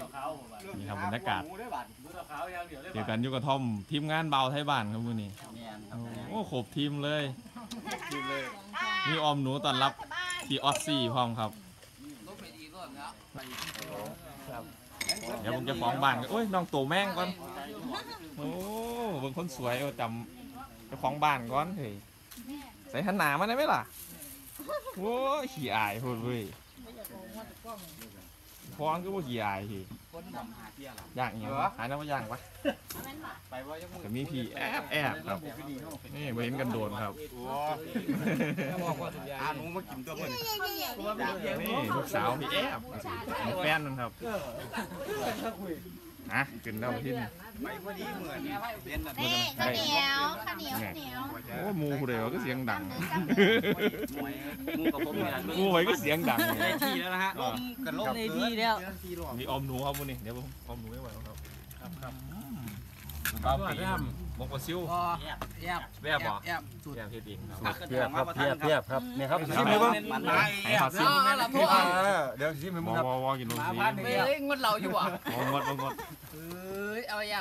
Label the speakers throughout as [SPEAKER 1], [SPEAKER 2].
[SPEAKER 1] นี่ครับบรรยากาศเกี่ยวกันอยู่กับทอมทีมงานเบาไทยบ้านครับมื้อนี้โอ้ครบทีมเลยมีออมหนูต้อนรับที่ออสซี่พร้อมครับเดี๋ยวผมจะฟ้องบ้านกันโอ้ยน้องโตแม่งก่อนโอ้เบิ่งคนสวยจำจะฟ้องบ้านก่อนเฮ้ยใส่หันหนามาได้ไหมล่ะโอ้ขี้อายพูดเว้ยฟ้องก็ว่าขี้อายทีย่างเงี้ยหายน้ำมาย่างปะแต่มีพี่แอบครับนี่เห็นกันโดนครับ
[SPEAKER 2] หนูมากินตัวมัน
[SPEAKER 1] นี่ลูกสาวพี่แอบแฟนนั่นครับนะกินแล้วที่นี่
[SPEAKER 2] ไปพอดีเหมือน
[SPEAKER 3] นี่ข้าวเหนียว
[SPEAKER 1] โอ้มูผู้ใดวะก็เสียงดัง
[SPEAKER 2] มูกับผมเนี่ย
[SPEAKER 1] มูไว้ก็เสียงดัง
[SPEAKER 2] ได้ที่แล้วนะฮะกันลงในที่แล้ว
[SPEAKER 1] มีอมหนูครับมูนี่เดี๋ยวผมอมหนูไม่ไหวแล้วครับบ้าปีมกปลาซิวแยบเหรอแยบเพียบเอง
[SPEAKER 4] เพียบครับเนี่ยครับชิมเลยบ้าง
[SPEAKER 1] ให้ผัดซิว
[SPEAKER 4] เดี๋ยวชิมให้มึงครับ
[SPEAKER 1] วอกินลงสี
[SPEAKER 2] งดเราอยู่อ่ะ
[SPEAKER 1] งด
[SPEAKER 2] เอาแยบ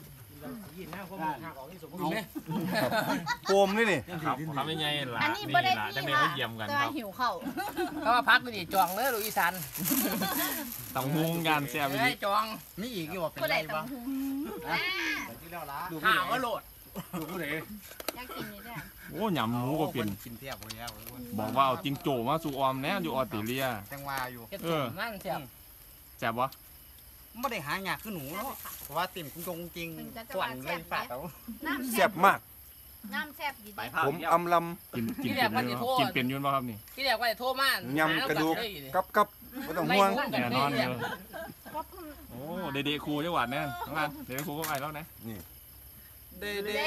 [SPEAKER 4] โปมนี่
[SPEAKER 1] ครับทำยังไงล่ะนี่ล่ะจังเลยเขาเยี่ยมกันครับ
[SPEAKER 3] หิวเข่า
[SPEAKER 2] เพราะว่าพักนี่จองเลยลูกอีสาน
[SPEAKER 1] ต้องมุงกันแซ่บไปดิ
[SPEAKER 2] จองมีอีกอยู่เป็นไรบ้างหาก็โหลดดูผู้ใด
[SPEAKER 3] อยากกินนี่ด้วย
[SPEAKER 1] โอ้ยำหมูก็เป็นบอกว่าเอาจิงโจ้มาสู่ออมแน่อยู่ออสเตรเลีย
[SPEAKER 2] จังว่าอยู่นั่น
[SPEAKER 1] แซ่บวะ
[SPEAKER 2] ไม่ได้หายากขึ้นหนูเนาะเพราะว่าติ่มกุ้งจริงขวัญเลยฝาดเอา
[SPEAKER 4] แซ่บมาก
[SPEAKER 3] น้ำแซ่บดี
[SPEAKER 4] ผมอำล
[SPEAKER 1] ำกินเป็นยุ่นป่ะครับนี่
[SPEAKER 2] ที่เรียกว่าโทษมาก
[SPEAKER 4] ยำกระดูกกับไม่ต้องห่วง
[SPEAKER 1] แน่นอนเลยโอ้เดคูจังหวัดเนี่ยน้องอันเดคูก็ไปแล้วนะ
[SPEAKER 4] นี่
[SPEAKER 2] เด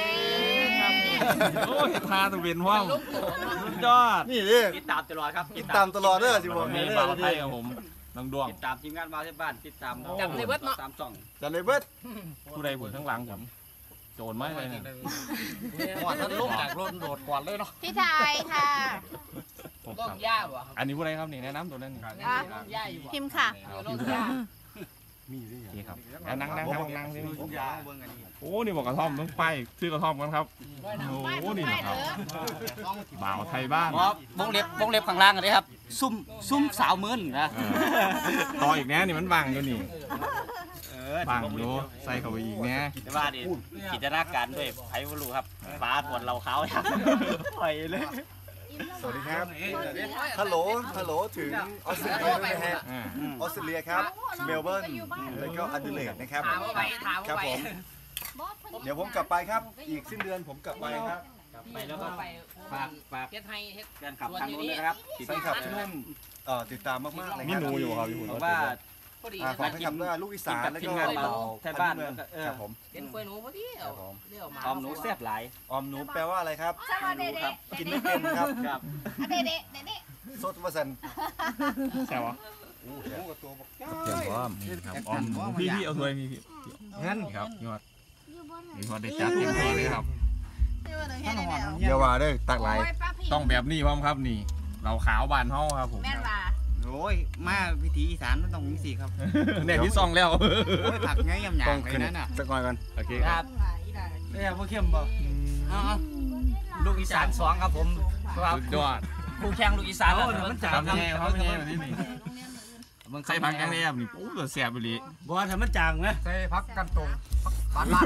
[SPEAKER 1] โอ้เห็นทาตัวเป็นว่างยอด
[SPEAKER 4] นี่ดิ
[SPEAKER 2] ติดตามตลอดครับ
[SPEAKER 4] ติดตามตลอดเด้อสิผม
[SPEAKER 1] นี่บ่าวไทยกับผมน้องดวง
[SPEAKER 2] ติดตามทีมงานบ้านที่บ้านติดตามจับในเบิร์ดเนาะตามจ่อง
[SPEAKER 4] จับในเบิร์ด
[SPEAKER 1] ผู้ใดผู้ทั้งหลังผมโจรไม่เลยเนี่ย
[SPEAKER 2] หัวท่านลุกจากรถโดดก่อนเลยเนาะ
[SPEAKER 3] พี่ไทยค่ะ
[SPEAKER 2] ลงย่าบ่
[SPEAKER 1] อันนี้ผู้ใดครับนี่แนะนำตัวนั้น
[SPEAKER 3] พิมพ์ค่ะ
[SPEAKER 2] ลงย่า
[SPEAKER 1] มีด้วยครับนั่งนี่โอ้นี่บอกกระท่อมต้องไปซื้อกระท่อมกันครับโอ้นี่นะครับบ่าวไทยบ้าน
[SPEAKER 2] วงเล็บข้างล่างเลยครับซุ่มสาวมื้นนะ
[SPEAKER 1] ต่ออีกแน่นี่มันบังอยู่นี่บังอยู่ใส่เข้าไปอีกแน่
[SPEAKER 2] แต่ว่าดิกิจการด้วยไผ่บรูครับฟ้าถวนเราเขาไปเลย
[SPEAKER 4] สวัสดีครับฮัลโหลถึงออสเตรเลียนะฮะออสเตรเลียครับเมลเบิร์นแล้วก็อดิเลดนะครับครับผมเดี๋ยวผมกลับไปครับอีกสิ้นเดือนผมกลับไปครับ
[SPEAKER 2] ไปแล้วก็ฝากเฮ็ดให้เฮ็ดการขับทางนู้นนะครับ
[SPEAKER 4] ไปขับที่นู่นติดตามมากๆเลย
[SPEAKER 1] มีหนูอยู่ครับ
[SPEAKER 4] เพราะว่าฝากให้ขับด้วยลูกอีสานแล้วก็เรา
[SPEAKER 2] แทนบ้าน
[SPEAKER 4] ครับผม
[SPEAKER 2] เห็นกล้วยหนูพอดีอมหนูแซ่บหลาย
[SPEAKER 4] อมหนูแปลว่าอะไรครับกินไม่เป็นครับ
[SPEAKER 3] เด็ด
[SPEAKER 4] สดวสัน
[SPEAKER 1] แซ่บวะเตรียมพร้อมครับอมหนูพี่เอาถ้วยพี่งั้นครับยอดได้จัดเต็มที่เลยครับ
[SPEAKER 4] เดี๋ยวว่าได้ตักไหล
[SPEAKER 1] ต้องแบบนี้พร้อมครับนี่เราขาวบานห้องครับผม
[SPEAKER 2] โอ้ยมาพิธีอีสานมันต้องมีสีครับ
[SPEAKER 1] เนี่ยพี่ซองแล้ว
[SPEAKER 2] ผักไงยำหยาบเลยนั่นน่ะ
[SPEAKER 4] สักหน่อยกัน
[SPEAKER 1] โอเคครับ
[SPEAKER 2] เนี่ยพวกเข้มบ่ลูกอีสาน2ครับผม
[SPEAKER 1] สุดยอด
[SPEAKER 2] คู่แข่งลูกอีสานแล้ว
[SPEAKER 1] มันจางแง่เขาแง่แบบนี้นี่ใส่ผักยังไงนี่โอ้เสียบไปเลย
[SPEAKER 2] บ่ว่าถ้ามันจางไหมใส่ผักกันตรงบ้าน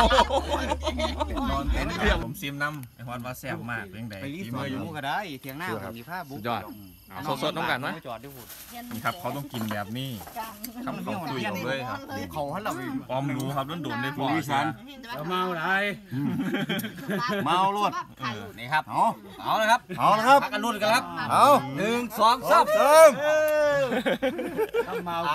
[SPEAKER 1] ผมซิมน้ำไอ้ฮอนว่าแซ่บมากเป็นไง
[SPEAKER 2] ไปรีสอร์ทอยู่ก็ได้เถียงหน้ามีผ้าบุ๊ก
[SPEAKER 1] ยอดสดๆต้องกันไหมนี่ครับเขาต้องกินแบบนี้คำเขาคุยเลยครับ
[SPEAKER 2] เขาให้เรา
[SPEAKER 1] ออมรู้ครับต้องโดนได้พอ
[SPEAKER 4] อีสาน
[SPEAKER 2] เมาอะไร
[SPEAKER 4] เมาลวด
[SPEAKER 2] นี่ครับเอาเลยครับพักกันรุ่นกันครับ
[SPEAKER 4] เอา
[SPEAKER 2] 1 2 3เมา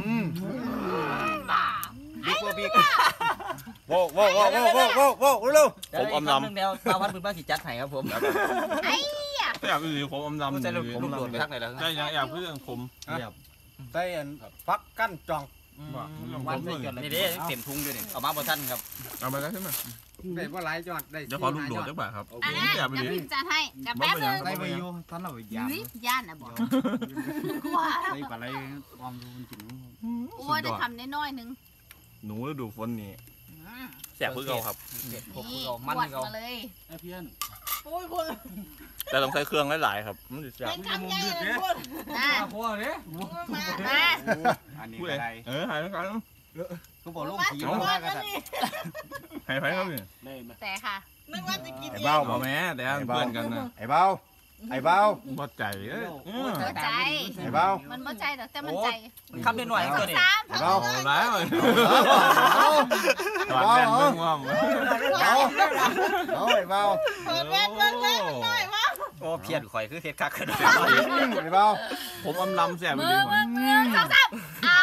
[SPEAKER 2] บิ๊กบิ๊ก
[SPEAKER 4] โว้เร็ว
[SPEAKER 1] ผมอมด
[SPEAKER 2] ำเดียวตาพันปืนบ้านขีดจัดไห้ครับผม
[SPEAKER 3] ไอ้
[SPEAKER 1] อยากคือผมอมดำ
[SPEAKER 2] ใช่ลูกโดดไปทักไหนแล้ว
[SPEAKER 1] ใช่อยากเพื่อนผม
[SPEAKER 4] ใส่ฟักกั้นจอง
[SPEAKER 2] วันนี่เด้เต็มทุ่งด้วยนี่เอามาบนท่านครับ
[SPEAKER 1] เอาไปแล้วใช่ไหม
[SPEAKER 2] ได้ว่าหลายจอดได้
[SPEAKER 1] เดี๋ยวขอลูกโดดจังหวะครับ
[SPEAKER 3] จะพิมพ์จะให้กับแป๊บนึง
[SPEAKER 4] ได้ไปอยู่ท่านเรา
[SPEAKER 3] ย่านนะบอก
[SPEAKER 2] กลัวได้ปลาไหลความรู้จริง
[SPEAKER 3] โอ้ยได้คำน้อยๆนึง
[SPEAKER 1] หนูฤดูฝนนี่แซ่บเพื่อเราครับ
[SPEAKER 3] นี่กวดมาเลย
[SPEAKER 5] เพี้ยน
[SPEAKER 1] แต่ต้องใส่เครื่องหลายๆครับมันจะแซ่บ
[SPEAKER 3] เป็นคำใหญ่เลยพูดนะ
[SPEAKER 5] พ่อเนี่ย
[SPEAKER 3] มา
[SPEAKER 2] อันนี้
[SPEAKER 1] พูด
[SPEAKER 2] ก็
[SPEAKER 1] เลย
[SPEAKER 2] ได้
[SPEAKER 1] หายแล้วกัน
[SPEAKER 2] ก็บอกลูกผี
[SPEAKER 3] มา
[SPEAKER 2] มากัน
[SPEAKER 1] หายไปครับนี่
[SPEAKER 5] ได้ไหม
[SPEAKER 3] แต่ค่ะ
[SPEAKER 4] ไอ้เบ้า
[SPEAKER 1] บอกแม่แต่เพื่อนกันนะ
[SPEAKER 4] ไอ้เบ้าไอ้เบ้า
[SPEAKER 1] บ่ใจเอ้ย
[SPEAKER 3] บ่ใจ
[SPEAKER 4] ไอ้เบ้า
[SPEAKER 3] มันบ่ใจแต่มันใจ
[SPEAKER 2] คำนิดหน่อยตัวนี้
[SPEAKER 3] สาม
[SPEAKER 4] ไอ้เบ้า
[SPEAKER 1] เอาแล้วตอนแรกเบิ่งว่า
[SPEAKER 4] เอาไอ้เบ้า
[SPEAKER 3] เปิดเว้นหน่อยวะ
[SPEAKER 2] โอ้เพี้ยนข่อยคือเท็ดคักขึ้น
[SPEAKER 4] ไอ้เบ้า
[SPEAKER 1] ผมอำลำแซ่บจ
[SPEAKER 3] มื
[SPEAKER 1] ริ
[SPEAKER 3] อง สองสาม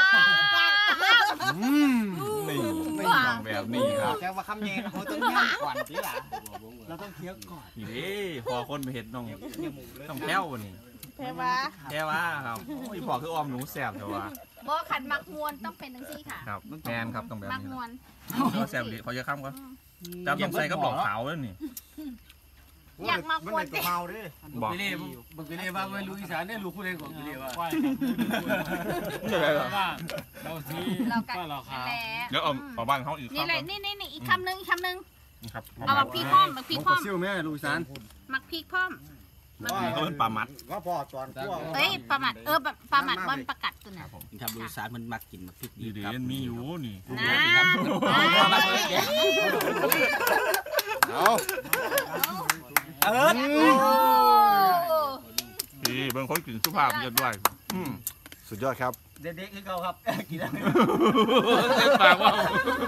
[SPEAKER 1] นี่ต้องแบบนี้ครับ
[SPEAKER 2] แค่ว่าคำเย็นเขาต้องย่างก่อนสิล่ะ
[SPEAKER 5] เราต้องเคี้ยวก่อน
[SPEAKER 1] นี่เด้พอคนไปเห็นต้องแพ้วนี่
[SPEAKER 3] เพวะ
[SPEAKER 1] แพ้ว่าครับโอ้ยพอคือออมหนูแซ่บแต่ว่า
[SPEAKER 3] บ่ขันมักมวนต้องเป็นจังซี่ค่ะ
[SPEAKER 1] ครับแมนครับต้องแบบ
[SPEAKER 3] มัก
[SPEAKER 1] นี้
[SPEAKER 3] มวน
[SPEAKER 1] ก็แซ่บดีขอจะข้ามก่อนจำต้องใส่กับดอกขาวด้วยนี่
[SPEAKER 3] อยากมักมวน
[SPEAKER 4] กะเพราดิ
[SPEAKER 1] บอก
[SPEAKER 5] ไปเล่บึกไปเล่ว่าไม่รู้อีสานเนี่ยรู้คู่ใดก่อนไปเล่ว่า
[SPEAKER 1] ไม่เป็นไรหรอก
[SPEAKER 5] ว่าเราซี
[SPEAKER 3] เรากั
[SPEAKER 5] ว่าเรา
[SPEAKER 3] น
[SPEAKER 5] ขาว
[SPEAKER 3] แหละ
[SPEAKER 1] เดี๋ยวเอาบ้านเขาอีก
[SPEAKER 3] นี่
[SPEAKER 1] คำ
[SPEAKER 3] เล
[SPEAKER 1] ก่
[SPEAKER 3] ย
[SPEAKER 1] อน
[SPEAKER 3] นี่อีกคำนึง
[SPEAKER 1] ครับ
[SPEAKER 3] เอามักพริกพร้อมมักพริกพร้อม
[SPEAKER 4] ซิ่วแม่ลูกสาน
[SPEAKER 3] มักพริกพร้อม
[SPEAKER 1] เขาเป็นปลามัด
[SPEAKER 4] ว่าพ่อตอนขั้ว
[SPEAKER 3] เอ้ยปลาหมัดปลาหมัดมันประกัดตัวน่ะ
[SPEAKER 2] ครับดูสารมันมักกินมาพริก
[SPEAKER 1] ดีดีๆมีอยู่นี่
[SPEAKER 3] นะ
[SPEAKER 4] เอา
[SPEAKER 1] ดีบางคนกินสุภาพเยอะด้วย
[SPEAKER 4] สุดยอดครับ
[SPEAKER 2] เด็กๆคือเขาครับกินแล้ว
[SPEAKER 1] ปากว่า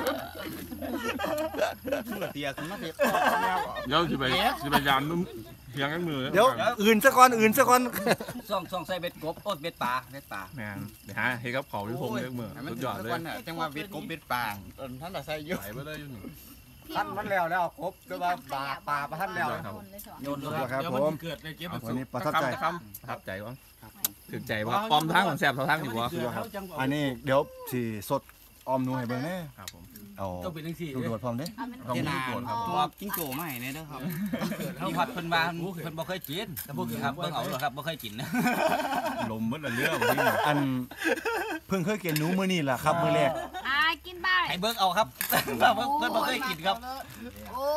[SPEAKER 2] เตียขึ้นมาเตีย
[SPEAKER 1] เดี๋ยวสิไปยามนุ่มเพียงกันมือ
[SPEAKER 4] เดี๋ยวอื่นซะก่อน
[SPEAKER 2] ซ่องใส่เบ็ดกบโอ๊ตเบ็ดปลา
[SPEAKER 1] แม่นเดี๋ยวหาเฮ้ยครับเขาพี่พงษ์เลือกมือสุดยอดเลย
[SPEAKER 2] จังว่าเบ็ดกบเบ็ดปลาท่านแต่ใส่เยอะ
[SPEAKER 1] ไหลไปเลยอยู่นี่
[SPEAKER 4] ท่านมันแล้วครบแต่ว่าปลาท่านแล้ว
[SPEAKER 2] โยน
[SPEAKER 4] สุ
[SPEAKER 2] เล
[SPEAKER 4] ด
[SPEAKER 2] ย
[SPEAKER 4] ยอดครับ
[SPEAKER 5] เดี๋ยว
[SPEAKER 4] ผ
[SPEAKER 5] มัน
[SPEAKER 4] ม
[SPEAKER 5] เกิดในเก็บ
[SPEAKER 4] วันนี้ประทับใจ
[SPEAKER 1] ประทับใจวะถึงใจวะปอมทั้งของแซ่บเท่าทั้งอยู่วะ
[SPEAKER 4] อันนี้เดี๋ยวสีสดออมหนูให้เบิ่งแน่
[SPEAKER 1] ครับผม
[SPEAKER 4] เอา
[SPEAKER 5] ต้องเป็นทั้งสี่
[SPEAKER 4] ดูดพร้อมเด้
[SPEAKER 1] ต้องมีส่วนครับผม
[SPEAKER 2] ตัวกิ้งโจ้มาให้เนี่ยนะครับมีผัดเพิ่นมาเพิ่นบ่เคยกินแต่พวกครับเบิ่งเอาหรอครับบ่เคยกินนะ
[SPEAKER 1] ลมมันละเรื่องที่
[SPEAKER 4] อันเพิ่งเคยกินหนูมื้อนี้ล่ะครับมื้อแรก
[SPEAKER 3] กินบ้า
[SPEAKER 2] ให้เบิ่งเอาครับเพิ่นบ่เคยกินครับ
[SPEAKER 3] โอ้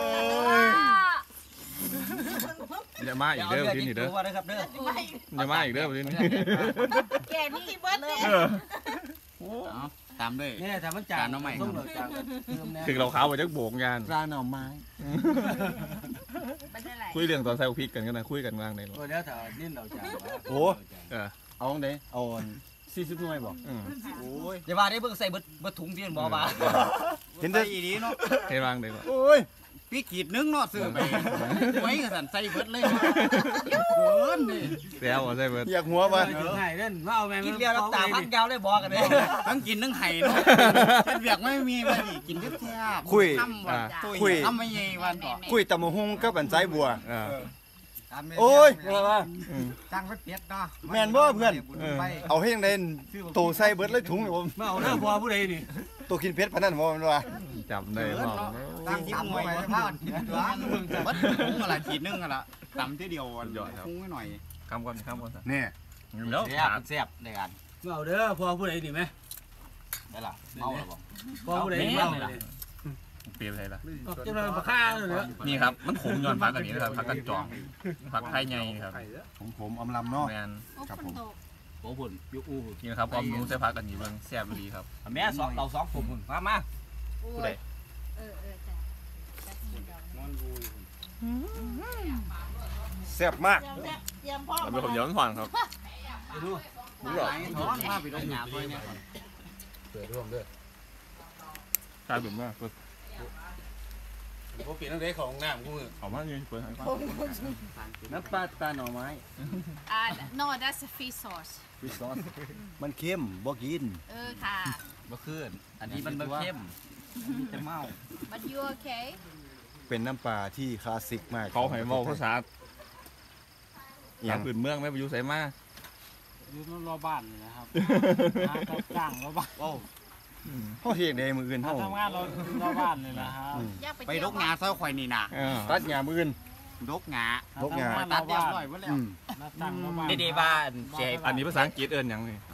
[SPEAKER 1] อย่ามาอีกเด้อพี่นี่เด้อ
[SPEAKER 2] ตัวนะครับเด้อ
[SPEAKER 1] อย่ามาอีกเด้อพี่นี่
[SPEAKER 3] แกนี่เบิร์ดเลย
[SPEAKER 2] ตามด้วย
[SPEAKER 5] เนี่ยแต่มันจานน้องใหม่ต้องจาน
[SPEAKER 1] ถึงเราขาวไปจักโบกงาน
[SPEAKER 4] ปลาหน่อไม้
[SPEAKER 3] มันได้ไร
[SPEAKER 1] คุยเรื่องตอนใส่พริกกันนะคุยกันกลางในรถ
[SPEAKER 5] โอ้เดี๋ยวถ้านิ่นเราจาน
[SPEAKER 4] โอ้
[SPEAKER 1] เออ
[SPEAKER 4] เอาจังได๋เอา40หน่วยบ่
[SPEAKER 2] โอ้ยอย่าว่าได้เบิ่งใส่เบิดถุงเพียนบ่ว่า
[SPEAKER 4] เห็นแต่
[SPEAKER 2] อีดีเนาะ
[SPEAKER 1] ให้วางเลยก่อน
[SPEAKER 4] โอ้ย
[SPEAKER 2] พี่ขีดนึงเนาะซื้อไปไว้ก็สั่นใส่เบิดเลยเกินนี่
[SPEAKER 1] แล้วใส่เบิร์ด
[SPEAKER 4] อยากหัวบ่
[SPEAKER 5] ไห้เล่นว่าเอาแมง
[SPEAKER 2] กินเดียวน้ำตาพักยาวเลยบอกกันเลยทั้งกินทั้งไห้เนาะเฮ็ดเวียกไม่มีว่าดิกินแซ่บๆ
[SPEAKER 4] คุย
[SPEAKER 2] ทำวันทำไม่ใหญ่วันต่อ
[SPEAKER 4] คุยตำบักหุ่งกับอันไสบัว
[SPEAKER 1] เออ
[SPEAKER 4] โอ้ย
[SPEAKER 2] จังไปเปียดเนาะ
[SPEAKER 4] แม่นบ่เพื่อน เอาให้จังได๋โตใส่เบิดเลยถุงนี่ผม
[SPEAKER 5] มาเอาเด้อพอผู้ใดนี่
[SPEAKER 4] โตกินเผ็ดปานนั้นบ่แม่นว่า
[SPEAKER 1] จับได้มอง
[SPEAKER 2] ตั้งทิพย์หน่วยพากินตัววัดถุงอะไรขีดนึงอะไรตำที่เดียวฟุ้งไว้หน่อย
[SPEAKER 1] คำก่อนสัก
[SPEAKER 4] นี่
[SPEAKER 1] แล้ว
[SPEAKER 2] แซ่บในการ
[SPEAKER 5] มาเอาเด้อพอผู้ใดนี่ไหม
[SPEAKER 2] ได้ล่ะเมาหรอบอก
[SPEAKER 5] พอผู้ใดเมาเลย
[SPEAKER 1] เปลี่ยนอะไรล่ะ
[SPEAKER 5] จะมาปลาข้าเลยเนาะ
[SPEAKER 1] นี่ครับมันขมย้อนผักอันนี้นะครับผักกันจองผักไทยไงครับ
[SPEAKER 4] ผมอำลำเนาะ
[SPEAKER 1] แมน
[SPEAKER 4] ครับผม
[SPEAKER 2] โอ้พุ่นยุอู้
[SPEAKER 1] นี่นะครับความรู้ใส่ผักอันนี้เบิ่งแซ่บดีครับ
[SPEAKER 2] แม่สองเราสองผมพุ่นมา
[SPEAKER 1] ผู้ใด
[SPEAKER 4] แซ่บมาก
[SPEAKER 1] เราเป็นคนย้อนผ่อนครับ
[SPEAKER 2] ดูหลายท้องมาไปดงหยาไปเนี่ย
[SPEAKER 1] ใช่แบบว่า
[SPEAKER 5] ผมเปลี่ยนตั้งแต่ของน้ำกูมือ
[SPEAKER 1] เอามาเนี่ยเปิดให้ฟัง
[SPEAKER 4] น้ำปลาหน่อไม้
[SPEAKER 3] no that's a fish sauce
[SPEAKER 4] วิซอสมันเค็มบ่กิน
[SPEAKER 3] ค่ะ
[SPEAKER 2] บ่ขึ้นอันนี้มันเข้มมีแต่เมา
[SPEAKER 3] but you okay
[SPEAKER 4] เป็นน้ำปลาที่คลาสสิกมาก
[SPEAKER 1] เขาให้เมาภาษา
[SPEAKER 4] อย่าง
[SPEAKER 1] พื้นเมืองไม่ไปอยู่ใส่มา
[SPEAKER 5] อยู่รอบบ้านนี่นะครับจ้างรอบบ้าน
[SPEAKER 4] เฮาเฮ็ดได้มื้ออื่นเฮา
[SPEAKER 5] ทำงานรอบบ้านนี่นะครับ
[SPEAKER 2] ไปดกหยาเศร้าข่อยนี่นะ
[SPEAKER 4] ตัดหญ้ามื้ออื่น
[SPEAKER 2] ดกหยา
[SPEAKER 4] ดกหญ้า
[SPEAKER 2] ตัดเรียบร้อยหมดแล้ว
[SPEAKER 5] จ้างรอบบ้าน
[SPEAKER 2] เดบ้านเสีย
[SPEAKER 1] อันนี้ภาษาอังกฤษเอิ้นหยังนี่
[SPEAKER 2] ไฮ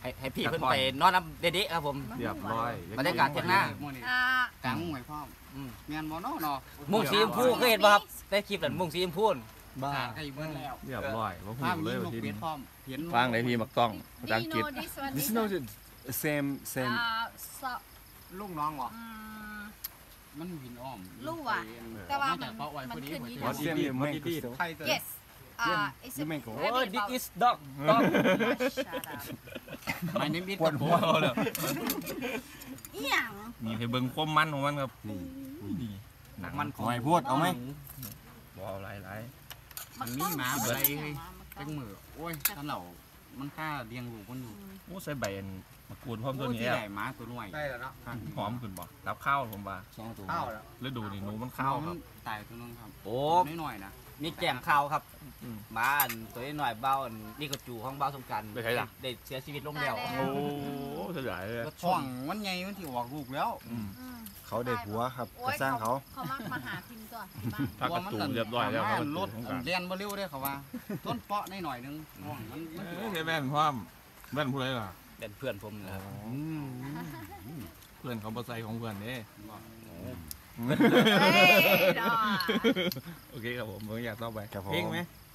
[SPEAKER 2] ให้พี่เพิ่นไปนอนน้ำเด็ดๆครับผม
[SPEAKER 1] เรียบร้อย
[SPEAKER 2] บรรยากาศเที่ยงหน้า
[SPEAKER 5] กลางมุ้งไว้พ่อแม่นบ่เนาะ
[SPEAKER 2] มุ้งสีชมพูเคยเห็นป่ะครับได้คลิปนั้นมุ้งสีชมพู
[SPEAKER 5] บ้าไก่เบิ้ลแล้ว
[SPEAKER 1] เรียบร้อยว่า
[SPEAKER 5] ภาพ
[SPEAKER 1] หูเล
[SPEAKER 5] นี้
[SPEAKER 1] ย
[SPEAKER 5] ลู
[SPEAKER 1] ว่าก ที่
[SPEAKER 5] เป็
[SPEAKER 1] นี่
[SPEAKER 5] ดพร้อมเห็น
[SPEAKER 1] ฟังในพี่มักต้องภาษา
[SPEAKER 3] Do
[SPEAKER 1] อัง
[SPEAKER 3] you
[SPEAKER 1] กฤษ
[SPEAKER 3] know this one?
[SPEAKER 4] This is not same same
[SPEAKER 3] So,
[SPEAKER 5] ลูกน้องเหรอ
[SPEAKER 3] um,
[SPEAKER 5] มันวินอ้อม
[SPEAKER 3] ลูกอะแต่ว่ามันขึ้นยี่
[SPEAKER 4] What's
[SPEAKER 3] ห้อ
[SPEAKER 4] your name Mango
[SPEAKER 5] ไทยเตอร์
[SPEAKER 3] Yes. It's a
[SPEAKER 4] You mango
[SPEAKER 2] โอ้ย this is dog
[SPEAKER 3] Shut up.
[SPEAKER 5] ไม่ได้มิด
[SPEAKER 4] ปวดหัว
[SPEAKER 1] เลย
[SPEAKER 3] อีหยัง
[SPEAKER 1] นี่ให้เบิ่งความมันของมันครับนี่นี่หนังมัน
[SPEAKER 4] เอาไหมพูดเอาไหม
[SPEAKER 1] บ่เอาหลาย
[SPEAKER 5] มันมีหมาอะไรจังมือโอ้ยท่านเหล่ามันกล้าเลี้ยงลูกมันอยู่
[SPEAKER 1] ๆโอ้ใส่ใบอันมะกรูดพร้อมตัวนี้
[SPEAKER 5] ที่
[SPEAKER 1] แอ
[SPEAKER 5] ใหญ่หมาตัวน้อยได้แล้วเนาะ
[SPEAKER 1] หอมขึ้นบ่รับข้าวผมว่า
[SPEAKER 5] ข้าวแล้ว
[SPEAKER 1] ฤดูนี่หนูมันข้าวครับ
[SPEAKER 5] ตายตัวนึงครับ
[SPEAKER 2] โอ้
[SPEAKER 5] น้อยๆนะ
[SPEAKER 2] มีแกมข้าวครับ
[SPEAKER 1] อืม
[SPEAKER 2] หมาอันตัวน้อยเบ้าอันนี่ก็จูของเบ้าสงกัน
[SPEAKER 1] ไปใช้ล่ะ
[SPEAKER 2] ได้เสียชีวิตลงแล้ว
[SPEAKER 1] โอ้เสียดายเลย
[SPEAKER 5] ช่วงมันใหญ่มันที่ออกลูกแล้ว
[SPEAKER 1] อืม
[SPEAKER 4] เขาได้ผัวครับกระสร้างเขา
[SPEAKER 3] เขามักมาหาพิมพ์ก่อนที่บ้าน
[SPEAKER 1] ถ้ากระตูนเรียบร้อยแล้วครับ
[SPEAKER 5] รถ
[SPEAKER 1] ของกลาง
[SPEAKER 5] เรียนบ่เร็วได้เขาว่าต้นเปาะหน่อยนึงมัน
[SPEAKER 1] เอ้ยแม่นพร้อมแม่นผู้ใดล่ะ
[SPEAKER 2] เป็นเพื่อนผมนะครับ
[SPEAKER 1] เพื่อนเขาบ่ใส่ของเพื่อนเด้
[SPEAKER 3] เฮ้ยดอก
[SPEAKER 1] โอเคครับผมอยากต่อไป
[SPEAKER 4] ครับผม
[SPEAKER 1] เพลงไหม